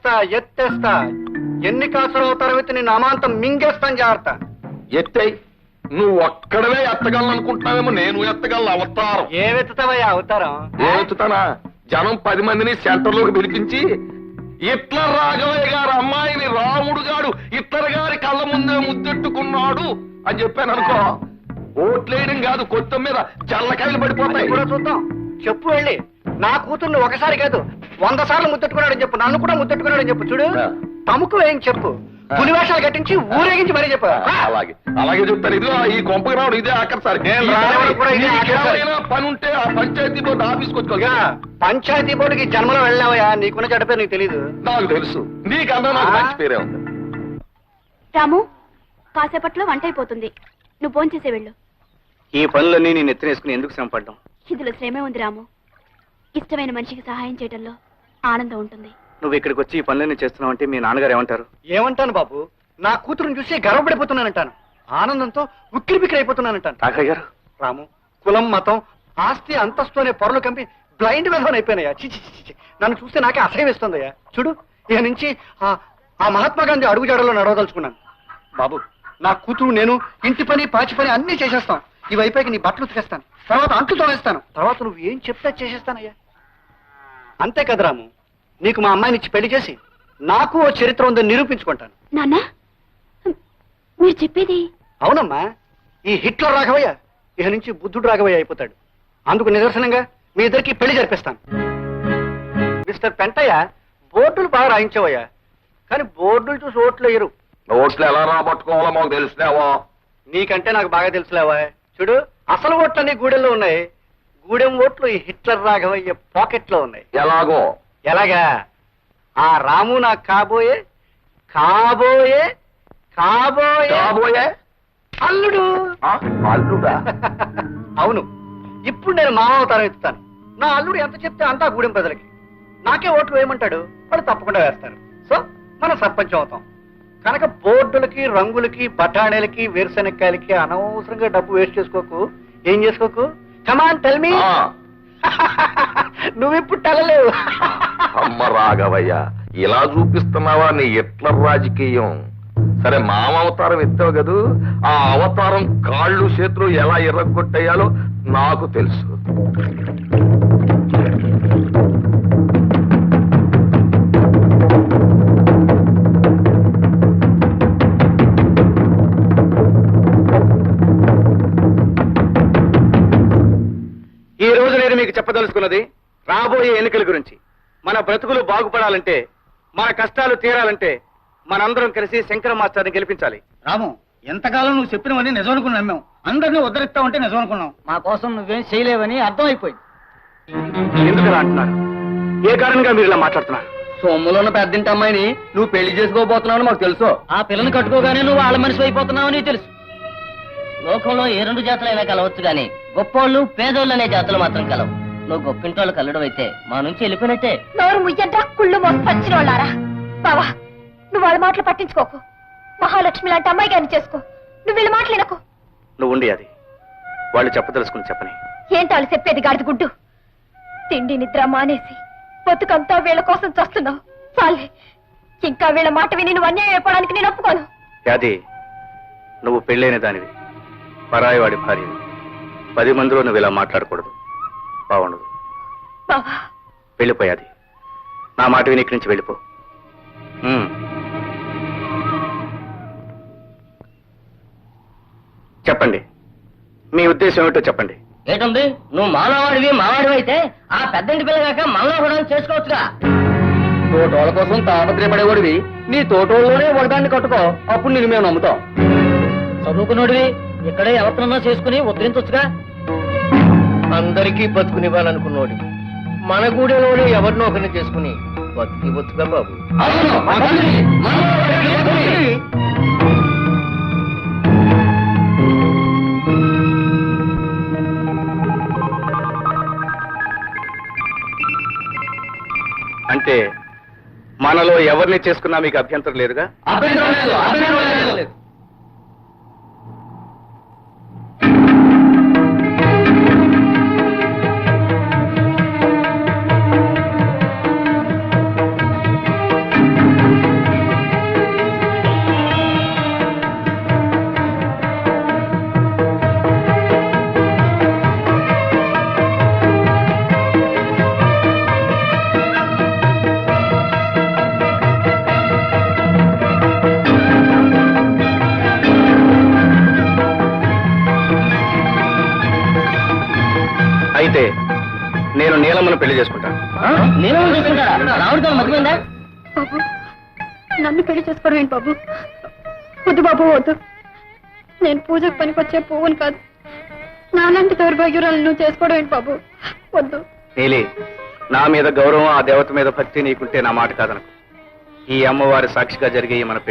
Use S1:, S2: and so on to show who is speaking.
S1: ఎత్తేస్తా ఎన్ని కాసులు అవుతారో నేను అమాంతం మింగేస్తాను జాగ్రత్త.
S2: ఎత్తై నువ్వు ఒక్కడవే ఎత్తగలను అనుకుంటున్నావేమో, నేను ఎత్తగలను అవతారం.
S1: ఏవెత్తుతావయ్యా అవతారం?
S2: ఏతుతానా? జనం 10 మందిని సెంటర్లోకి పిలిపించి హిట్లర్ రాఘవయ్య గారు అమ్మాయిని రాముడు గాడు హిట్లర్ గారి కళ్ళ ముందే ముద్దెట్టుకున్నాడు అని చెప్పాను అనుకో, ఓట్లేయడం కాదు కొత్త మీద జల్లకాయలు పడిపోతాయి.
S1: కూడా చూద్దాం. చెప్పు వెళ్ళి నా కూతుర్ని ఒకసారి కాదు 100 సార్లు ముద్దెట్టుకున్నాడని చెప్పు, నన్ను కూడా ముద్దెట్టుకున్నాడని చెప్పు. చూడు తమకు ఏం చెప్పు, పులివేషాలు కట్టించి ఊరేగించి మరీ చెప్పు.
S2: అలాగే అలాగే చెప్తాను. ఇదిగో ఈ కొంపకి రావడం ఇదే ఆఖరిసారి. పని ఉంటే ఆ పంచాయతీ బోర్డు ఆఫీస్కి వచ్చుకోగా.
S1: పంచాయతీ బోర్డుకి జన్మలో వెళ్ళావయ్యా, నీకున్న చెడ్డ పేరు నీకు తెలీదు.
S2: నాకు తెలుసు, నీకన్నా నాకు మంచి పేరే ఉంది.
S3: రాము, కాసేపట్లో వంట అయిపోతుంది, నువ్వు ఫోన్ చేసే వెళ్ళు.
S1: ఈ పనులన్నీ నేను ఎత్తినేసుకుని ఎందుకు శ్రమ పడ్డాం?
S3: ఇందులో శ్రమే ఉంది రాము. ఇష్టమైన మనిషికి సహాయం చేయడంలో ఆనందం ఉంటుంది.
S1: నువ్వు ఇక్కడికి వచ్చి ఈ పనులన్నీ చేస్తున్నావు అంటే మీ నాన్నగారు ఏమంటారు? ఏమంటాను బాబు, నా కూతురుని చూసి గర్వపడిపోతున్నానంటాను, ఆనందంతో ఉక్కిరి బిక్కిరి అయిపోతున్నానంటాను. రాఘయ్య గారు, రాము కులం మతం ఆస్తి అంతస్తు అనే పొరలు కంపి బ్లైండ్ విధవన్ అయిపోయినాయా. చిచి, నన్ను చూస్తే నాకే అసహ్యం వేస్తుందయ్యా. చూడు ఇక నుంచి ఆ మహాత్మా గాంధీ అడుగుజాడలో నడవదలుచుకున్నాను. బాబు నా కూతురు నేను ఇంటి పని పాచి పని అన్ని చేసేస్తాం. ఈ వైపుకి నీ బట్టలు ఉతికేస్తాను, తర్వాత అంట్లు తోవేస్తాను, తర్వాత నువ్వు ఏం చెప్తే చేసేస్తానయ్యా. అంతే కదా రాము, నీకు మా అమ్మాయిని ఇచ్చి పెళ్లి చేసి నాకు ఓ చరిత్ర ఉందని నిరూపించుకుంటాను.
S3: నాన్న, మీరు చెప్పేది?
S1: అవునమ్మా, ఈ హిట్లర్ రాఘవయ్య ఇక నుంచి బుద్ధుడు రాఘవయ్య అయిపోతాడు. అందుకు నిదర్శనంగా మీ ఇద్దరికి పెళ్లి జరిపిస్తాను. మిస్టర్ పెంటయ్య, బోర్డులు బాగా రాయించావయ్యా, కానీ బోర్డులు చూసి ఓట్లు వేయరు.
S2: ఓట్లు ఎలా రాబట్టుకోవాలో మాకు తెలిసినావా?
S1: నీకంటే నాకు బాగా తెలుసులేవా. చూడు అసలు ఓట్లన్నీ గూడెంలో ఉన్నాయి, గూడెం ఓట్లు ఈ హిట్లర్ రాఘవయ్య పాకెట్లో ఉన్నాయి.
S2: ఎలాగో?
S1: ఎలాగా? ఆ రాము నాకు కాబోయే కాబోయే కాబోయే
S2: కాబోయే
S1: అల్లుడు.
S2: అల్లుడా?
S1: అవును, ఇప్పుడు నేను మామావతారం ఎత్తుతాను. నా అల్లుడు ఎంత చెప్తే అంతా గూడెం ప్రజలకి. నాకే ఓట్లు వేయమంటాడు, వాళ్ళు తప్పకుండా వేస్తారు. సో మనం సర్పంచం అవుతాం. కనుక బోర్డులకి రంగులకి బఠాణీలకి వేరుశెనక్కాయలకి అనవసరంగా డబ్బు వేస్ట్ చేసుకోకు. ఏం చేసుకోకు? Come on tell me. నువ్విప్పుడు తెలలేవు.
S2: అమ్మ రాఘవయ్య, ఇలా చూపిస్తున్నావా నీ హిట్లర్ రాజకీయం? సరే మామ అవతారం ఎత్తావు కదూ, ఆ అవతారం కాళ్ళు చేతులు ఎలా ఎర్రగొట్టేయాలో నాకు తెలుసు.
S1: ఈ రోజు నేను మీకు చెప్పదలుచుకున్నది రాబోయే ఎన్నికల గురించి. మన బ్రతుకులు బాగుపడాలంటే, మన కష్టాలు తీరాలంటే మనందరం కలిసి శంకర మాస్టర్ని గెలిపించాలి.
S4: రాము, ఎంతకాలం నువ్వు చెప్పినవన్నీ నిజం అనుకుని నమ్మాం. అందరినీ ఉద్ధరిస్తావంటే నిజం అనుకున్నాం. మా కోసం నువ్వేం చేయలేవని అర్థమైపోయింది.
S1: ఎందుకు ఇలా అంటున్నారు? ఏ కారణంగా మీరు ఇలా మాట్లాడుతున్నారు?
S4: సొమ్ములో ఉన్న పెద్దింటి అమ్మాయిని నువ్వు పెళ్లి చేసుకోబోతున్నావు మాకు తెలుసు. ఆ పిల్లని కట్టుకోగానే నువ్వు వాళ్ళ మనిషి అయిపోతున్నావని తెలుసు. లోకంలో ఏ 2 జాతులైనా కలవచ్చు గాని గొప్పోళ్ళు పేదోళ్ళు అనే జాతులు మాత్రం కలవు. నువ్వు గొప్పింటోళ్ళు కలడం అయితే మా నుంచి వెళ్ళిపోయినట్టే.
S3: నోరు ముయ్యంట కుళ్ళు మోసపచ్చిన వాళ్ళారా. బావా, నువ్వు వాళ్ళ మాటలు పట్టించుకోకు. మహాలక్ష్మి లాంటి అమ్మాయి గారిని చేసుకో. నువ్వు వీళ్ళ మాటలేనకు.
S1: నువ్వు ఉండి అది వాళ్ళు చెప్పదలుచుకుని చెప్పని.
S3: ఏంటి వాళ్ళు చెప్పేది గాడిద గుడ్డు? తిండి నిద్ర మానేసి బతుకంతా వీళ్ళ కోసం చస్తున్నావు. చాలే, ఇంకా వీళ్ళ మాట విని నువ్వు అన్యాయం అయిపోవడానికి నేను ఒప్పుకోను.
S1: అది నువ్వు పెళ్ళైన దానివి, పరాయివాడి భార్యవి. 10 మందిలో నువ్వు ఇలా మాట్లాడకూడదు, బాగుండదు.
S3: బావా,
S1: వెళ్ళిపోయాది. నా మాట విని ఇక్కడి నుంచి వెళ్ళిపో. చెప్పండి, మీ ఉద్దేశం ఏమిటో చెప్పండి.
S4: ఏంటుంది? నువ్వు మానవాడివి మావాడివి అయితే ఆ పెద్దంటి పిల్లగాక మనలో కూడా చేసుకోవచ్చుగా. తోటోళ్ళ కోసం తాపత్రయపడేవాడివి, నీ తోటోళ్ళలోనే ఒకదాన్ని కట్టుకో, అప్పుడు నేను మేము నమ్ముతాం. చదువుకున్నోడివి ఇక్కడే ఎవరినన్నా చేసుకుని ఉద్ధరించొచ్చుగా. అందరికీ బతుకునివ్వాలనుకున్నోడి మన గూడెలోనే ఎవరినో ఒకరిని చేసుకుని బతికి బతుగా బాబు.
S1: అంటే మనలో ఎవరిని చేసుకున్నా మీకు అభ్యంతరం లేదుగా?
S4: అభ్యంతరం లేదు.
S1: అయితే నేను నీలమ్మను పెళ్లి చేసుకుంటాను.
S4: నేను రావుడితో మతిపోయిందా?
S3: బాబు నన్ను పెళ్లి చేసుకోవడం ఏంటి బాబు? వద్దు బాబు వద్దు. నేను పూజకు పనికొచ్చే పువ్వును కాదు. నాలాంటి దౌర్భాగ్యురాలు నువ్వు చేసుకోవడం ఏంటి బాబు? వద్దు.
S1: నీలి, నా మీద గౌరవం, ఆ దేవత మీద భక్తి నీకుంటే నా మాట కాదనకు. ఈ అమ్మవారి సాక్షిగా జరిగే ఈ మన